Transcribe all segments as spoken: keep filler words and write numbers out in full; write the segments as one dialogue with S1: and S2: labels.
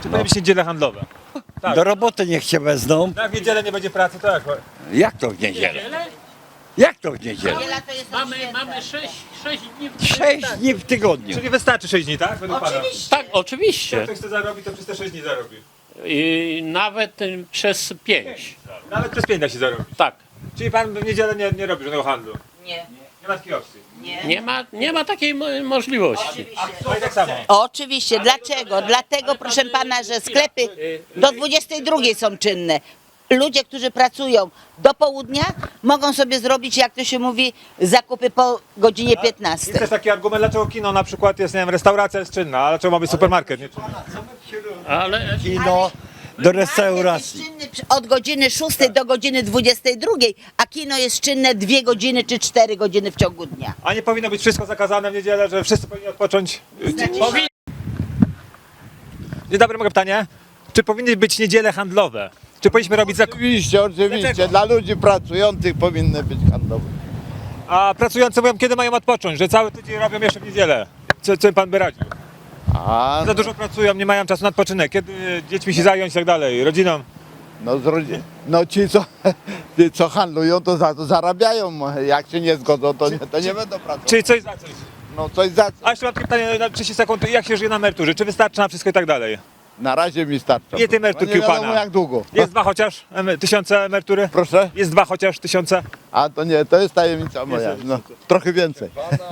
S1: powinny być niedziele handlowe? Tak.
S2: Do roboty niech się wezmą.
S1: No, jak w niedzielę nie będzie pracy, to jak?
S2: Jak to w niedzielę? Jak to w niedzielę?
S3: Niedziela to jest
S4: Mamy,
S3: święta.
S4: mamy sześć, sześć dni w
S2: Sześć dni w tygodniu.
S1: Czyli wystarczy sześć dni, tak? Według pana?
S3: Oczywiście.
S4: Tak,
S1: Jak
S4: oczywiście.
S1: ktoś chce zarobić, to przez te sześć dni zarobi.
S4: I nawet y, przez pięć.
S1: Nawet przez pięć da się zarobić.
S4: Tak.
S1: Czyli pan w niedzielę nie, nie robi żadnego handlu?
S3: Nie,
S1: Nie ma takiej opcji.
S3: nie.
S4: Nie ma, nie ma takiej mo- możliwości.
S3: Oczywiście.
S1: No i tak samo.
S3: Oczywiście, dlaczego? Dlatego, proszę pana, że sklepy do dwudziestej drugiej są czynne. Ludzie, którzy pracują do południa, mogą sobie zrobić, jak to się mówi, zakupy po godzinie
S1: Jest
S3: piętnastej.
S1: też taki argument, dlaczego kino na przykład jest, nie wiem, restauracja jest czynna, a dlaczego ma być supermarket nie czynny?
S4: Ale
S2: Kino do restauracji.
S3: Market jest czynny od godziny szóstej do godziny dwudziestej drugiej, a kino jest czynne dwie godziny czy cztery godziny w ciągu dnia.
S1: A nie powinno być wszystko zakazane w niedzielę, że wszyscy powinni odpocząć?
S4: powi-
S1: Dzień dobry, mogę pytanie? Czy powinny być niedziele handlowe? Czy powinniśmy robić zakupy?
S5: Oczywiście, oczywiście.
S1: Dlaczego?
S5: Dla ludzi pracujących powinny być handlowe.
S1: A pracujący mówią, kiedy mają odpocząć, że cały tydzień robią jeszcze w niedzielę. Co, co pan by radził?
S5: A
S1: Za dużo pracują, nie mają czasu na odpoczynek. Kiedy dziećmi się zająć i tak dalej, rodziną?
S5: no, z rodzi- no ci, co, ci, co handlują, to za to zarabiają. Jak się nie zgodzą, to nie, to nie będą pracować.
S1: Czyli coś za coś.
S5: No coś za co.
S1: A jeszcze mam takie pytanie na trzydzieści sekund, jak się żyje na emeryturze? Czy wystarczy na wszystko i tak dalej?
S5: Na razie mi starcza.
S1: Ile tej emeryturki
S5: no, nie
S1: u pana?
S5: wiadomo jak długo.
S1: Jest dwa chociaż emy- tysiące emerytury?
S5: Proszę?
S1: Jest dwa chociaż tysiące?
S5: A to nie, to jest tajemnica moja. No, trochę więcej.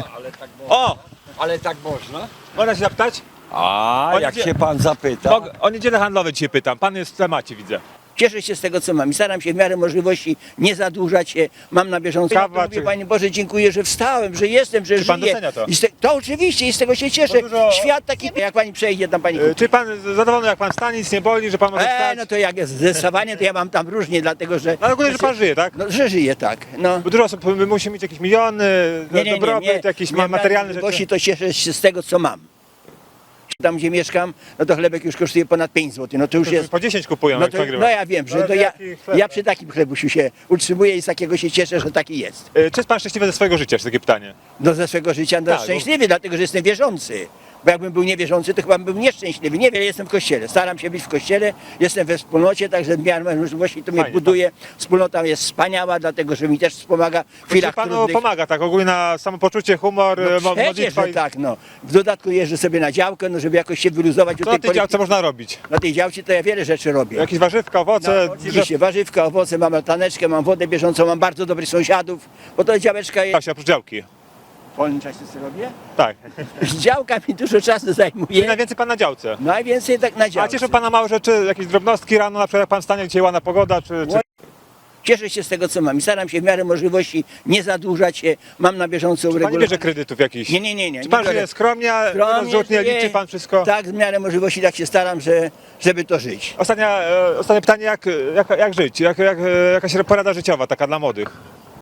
S1: O!
S2: Ale tak można?
S1: Można się zapytać?
S2: A,
S1: O
S2: jak
S1: niedzie-
S2: się pan zapyta.
S1: Mog- O niedzielę handlowe dzisiaj pytam. Pan jest w temacie, widzę.
S6: Cieszę się z tego, co mam i staram się w miarę możliwości nie zadłużać się. Mam na bieżąco.
S1: Kawa,
S6: Ja to mówię,
S1: czy-
S6: Panie Boże, dziękuję, że wstałem, że jestem, że
S1: Czy pan
S6: żyję.
S1: docenia to?
S6: I z te, to oczywiście i z tego się cieszę.
S1: Bo dużo-
S6: Świat taki, jak Pani przejdzie, tam Pani...
S1: E, Czy pan zadowolony, jak pan wstanie, nic nie boli, że pan może
S6: E,
S1: wstać?
S6: no to jak jest zdecydowanie, to ja mam tam różnie, dlatego że...
S1: No ale ogólnie, że pan żyje, tak?
S6: No, że żyję, tak. No.
S1: Bo dużo osób y, musi mieć jakieś miliony, dobrobyt, jakieś ma materialne rzeczy.
S6: Możliwości to cieszę się z tego, co mam. Tam, gdzie mieszkam, no to chlebek już kosztuje ponad pięć złotych. No to już jest...
S1: Po dziesięć kupują,
S6: No,
S1: jak
S6: to,
S1: pan grywa.
S6: no ja wiem, że
S1: Ale
S6: to ja,
S1: jaki chleb?
S6: ja przy takim chlebusiu się utrzymuję i z takiego się cieszę, że taki jest.
S1: E, Czy jest pan szczęśliwy ze swojego życia? Jest takie pytanie.
S6: No ze swego życia no,
S1: Tak, bo-
S6: szczęśliwy, dlatego że jestem wierzący. Bo jakbym był niewierzący, to chyba bym był nieszczęśliwy. Niewiele jestem w kościele. Staram się być w kościele, jestem we wspólnocie, także w miarę możliwości to mnie
S1: Fajnie,
S6: buduje. Wspólnota jest wspaniała, dlatego że mi też wspomaga w
S1: Czy
S6: chwilach
S1: panu
S6: trudnych.
S1: pomaga tak ogólnie na samopoczucie, humor,
S6: No
S1: e, mo-
S6: przecież,
S1: modlitwa?
S6: że
S1: i-
S6: tak, no. W dodatku jeżdżę sobie na działkę, no żeby jakoś się wyluzować.
S1: Co na tej działce można robić?
S6: Na tej działce to ja wiele rzeczy robię.
S1: Jakieś warzywka, owoce,
S6: No, oczywiście, warzywka, owoce, mam altaneczkę, mam wodę bieżącą, mam bardzo dobrych sąsiadów, bo to działeczka jest...
S1: Właśnie, oprócz działki.
S6: W wolnym czasie co robię?
S1: Tak.
S6: Działka mi dużo czasu
S1: Czyli
S6: zajmuje.
S1: najwięcej pan na działce.
S6: Najwięcej tak na
S1: A
S6: działce.
S1: cieszą pana małe rzeczy, jakieś drobnostki rano, na przykład jak pan stanie, dzisiaj ładna pogoda, czy... czy...
S6: Cieszę się z tego, co mam i staram się w miarę możliwości nie zadłużać się. Mam na bieżąco
S1: Pan nie
S6: uregulowane.
S1: bierze kredytów jakichś?
S6: Nie, nie, nie, nie.
S1: Czy pan
S6: nie biorę.
S1: żyje skromnie,
S6: Skromnie
S1: rozrzutnie,
S6: żyję.
S1: liczy pan wszystko?
S6: Tak, w miarę możliwości tak się staram, że, żeby to żyć.
S1: Ostatnia, e, ostatnie pytanie, jak, jak, jak żyć? Jak, jak, e, jakaś porada życiowa taka dla młodych?